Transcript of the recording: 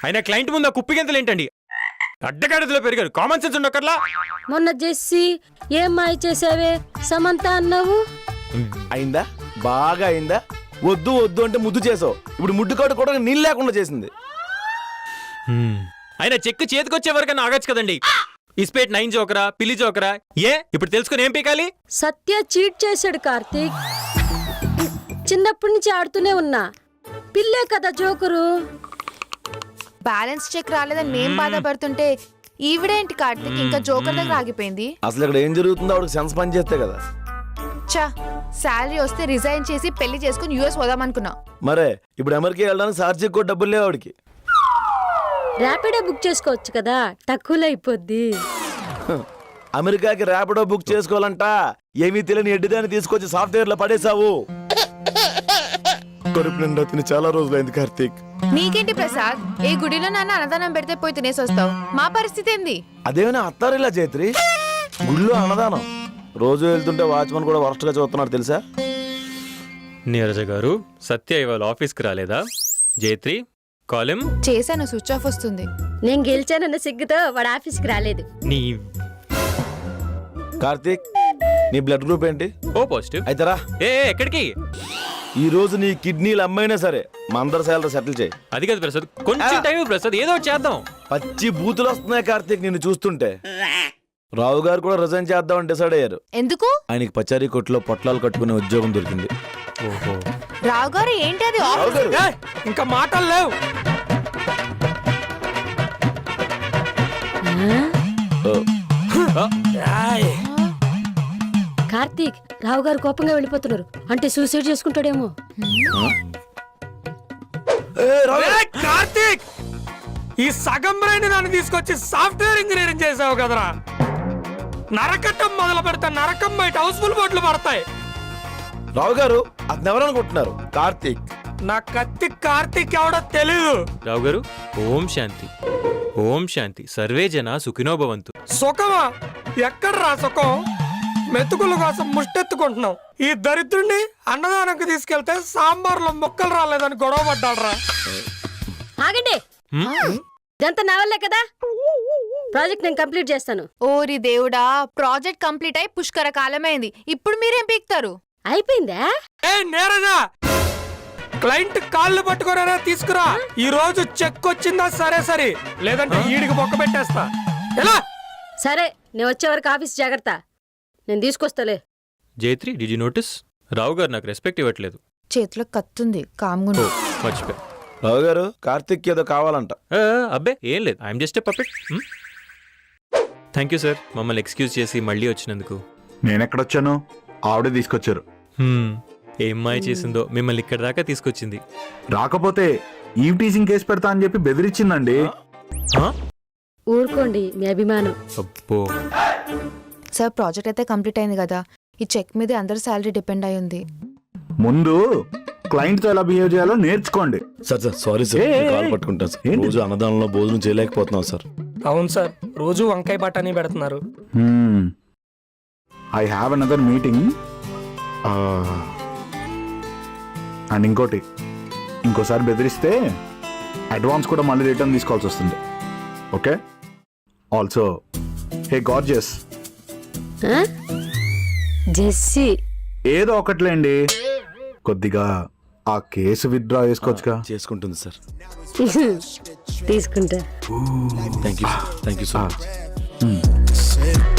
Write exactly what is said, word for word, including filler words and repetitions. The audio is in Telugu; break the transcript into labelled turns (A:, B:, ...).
A: అయినా క్లయింట్ ముందు ఆ కుప్పిగంతలు ఏంటండి? అడ్డగాడిదలో పెరిగారు, కామన్ సెన్స్ ఉండక్కర్లా.
B: మొన్న జెస్సీ ఏం మాయ చేసావే సమంత అన్నావు?
C: అయిందా? బాగా అయిందా? వద్దు వద్దు అంటే ముద్దు చేసావు, ఇప్పుడు ముడ్డు కాడు కూడా నీళ్ళు లేకుండా చేసింది.
A: అయినా చెక్కు చేతికొచ్చే వరకన్నా ఆగచ్చు కదండి. ఇస్పేట్ నైన్ జోకరా, పిల్లి జోకరా? ఏ ఇప్పుడు తెలుసుకుని ఏం పీకాలి?
B: సత్య చీట్ చేశాడు కార్తీక్. చిన్నప్పటి నుంచి ఆడుతూనే ఉన్నా, పిల్లే కదా జోకరు.
D: బ్యాలెన్స్ చెక్ రాలేదని మేం బాధపడుతుంటే ఈవిడేంటి కార్తీక్ ఇంకా జోకర్ దగ్గర ఆగిపోయింది?
C: అసలు ఇక్కడ ఏం జరుగుతుందో ఆవిడకి సెన్స్ పని చేస్తే కదా.
D: చా, శాలరీ వస్తే రిజైన్ చేసి పెళ్లి చేసుకుని యూఎస్ పోదామనుకున్నా.
C: మరే ఇప్పుడు అమెరికా వెళ్ళడానికి సార్జీ కూడా డబ్బులు లేవు ఆవిడకి.
B: ర్యాపిడో బుక్ చేసుకోవచ్చు కదా, తక్కువలో అయిపోద్ది.
C: అమెరికాకి ర్యాపిడో బుక్ చేసుకోవాలంట. ఏమీ తెలియని ఎడ్డిదాన్ని తీసుకొచ్చి సాఫ్ట్వేర్ లో పడేసావు. కడుపు నిండా తిని చాలా రోజులైంది కార్తీక్.
D: నీకేంటి ప్రసాద్, ఏ గుడిలో నాన్న అన్నదానం పెడితే పోయి తినేసి వస్తావు. మా పరిస్థితి ఏంది?
C: అదేమైనా అత్తారిలా జైత్రి, గుళ్ళో అన్నదానం. రోజు వెళ్తుంటే వాచ్మన్ కూడా వరస్ట్ గా చూస్తున్నాడు తెలుసా?
A: నీరజ గారు, సత్య ఇవాళ ఆఫీస్కి రాలేదా? జైత్రి కాలిం
D: చేశాను, స్విచ్ ఆఫ్ వస్తుంది.
B: నేను గెలిచానన్న సిగ్గుతో వాడు ఆఫీస్కి రాలేదు.
A: నీ
C: కార్తీక్, నీ బ్లడ్ గ్రూప్ ఏంటి?
A: O positive.
C: అయితేరా.
A: ఏ ఎక్కడికి?
C: ఈ రోజు నీ కిడ్నీలు అమ్మైనా సరే మా అందరి శాలరీ సెటిల్ చేయి.
A: అది కాదు ప్రసాద్, కొంచెం టైం ప్రసాద్, ఏదో ఒకటి చేద్దాం.
C: పచ్చి బూతులు వస్తున్నాయి కార్తీక్ నిన్ను చూస్తుంటే. రావు గారు కూడా రిజైన్ చేద్దామని డిసైడ్ అయ్యారు.
D: ఎందుకు?
C: ఆయనకి పచారీ కొట్లో పొట్లాలు కట్టుకునే ఉద్యోగం దొరికింది.
A: ఓహో,
D: రావు గారు ఏంటి అది?
A: ఇంకా మాటలు లేవు.
B: కార్తీక్, రావు గారు కోపంగా వెళ్ళిపోతున్నారు. అంటే సూసైడ్ చేసుకుంటాడేమో.
E: కార్తీక్, ఈ సగం బ్రెయిన్ నన్ను తీసుకొచ్చి సాఫ్ట్వేర్ ఇంజనీరింగ్ చేసావు కదరా. నరకటం మొదలు పెడితే నరకం బయట హౌస్ఫుల్ బోట్లు పడతాయి.
C: రావు గారు అతను ఎవరనుకుంటున్నారు? కార్తీక్.
E: నా కత్తి కార్తీక్ ఎవడో తెలీదు.
A: రావు గారు, ఓం శాంతి. ఓం శాంతి. సర్వే జన సుఖినో భవంతు.
E: సుఖమా? ఎక్కడ్రా సుఖం? మెతుకుల కోసం ముష్టెత్తుకుంటున్నాం. ఈ దరిద్రుడిని అన్నదానంకి తీసుకెళ్తే సాంబార్లో ముక్కలు రాలేదని గొడవ పడ్డాడ్రా.
B: ఆగండి, ఇదంతా నా వల్లే కదా. ప్రాజెక్ట్ నేను కంప్లీట్ చేస్తాను.
D: ఓరి దేవుడా, ప్రాజెక్ట్ కంప్లీట్ అయి పుష్కర కాలమైంది. ఇప్పుడు మీరేం పీక్తారు?
B: అయిపోయిందా?
E: ఏ నేరజా, క్లయింట్ కాళ్ళు పట్టుకోరా, తీసుకురా. ఈ రోజు చెక్ వచ్చిందా? సరే సరే, లేదంటే ఈడికి బొక్క పెట్టేస్తా. ఎలా?
B: సరే, నేను వచ్చే వరకు ఆఫీస్ జాగ్రత్త. నేను తీసుకొస్తాలే.
A: Jaitri, did you notice? Rao గారు నాకు రెస్పెక్ట్ ఇవ్వట్లేదు.
D: చేతిలో కత్తుంది, కామ్గుండు.
A: మర్చిపోయా.
C: రావు గారు, కార్తీక్ ఏదో కావాలంట.
A: అబ్బే ఏం లేదు, I'm just a puppet. Thank you sir, మమ్మల్ని ఎక్స్క్యూజ్ చేసి మళ్ళీ వచ్చినందుకు.
F: నేనెక్కడొచ్చాను? ఆవిడే తీసుకొచ్చారు.
A: ఏం మాయ చేసిందో మిమ్మల్ని ఇక్కడ దాకా తీసుకొచ్చింది.
F: రాకపోతే ఈవ్ టీజింగ్ కేసు పెడతా అని చెప్పి బెదిరించిందండి.
B: ఊరుకోండి, మీ అభిమానం.
A: అబ్బో.
D: సార్, ప్రాజెక్ట్ అయితే కంప్లీట్ అయింది కదా. ఈ చెక్ మీద అందరి శాలరీ డిపెండ్ అయి ఉంది.
F: ముందు క్లయింట్ తో ఎలా బిహేవ్ చేయాలో నేర్చుకోండి.
C: Sir sir sorry sir, call పట్టుకుంటాను సార్. రోజు అన్నదానంలో భోజనం చేయలేకపోతున్నాం సార్.
E: అవును సార్, రోజు వంకాయ బఠానీ పెడుతున్నారు.
F: I have another meeting. And ఇంకోటి, ఇంకోసారి బెదిరిస్తే అడ్వాన్స్ కూడా మళ్ళీ రిటర్న్ తీసుకోవాల్సి వస్తుంది. Okay? Also, hey gorgeous,
B: Jessie,
F: ఏదో ఒకట్లేండి, కొద్దిగా ఆ కేసు విత్డ్రా చేసుకోవచ్చుగా.
C: చేసుకుంటుంది సార్.
B: తీసుకుంటా.
C: Thank you thank you so much.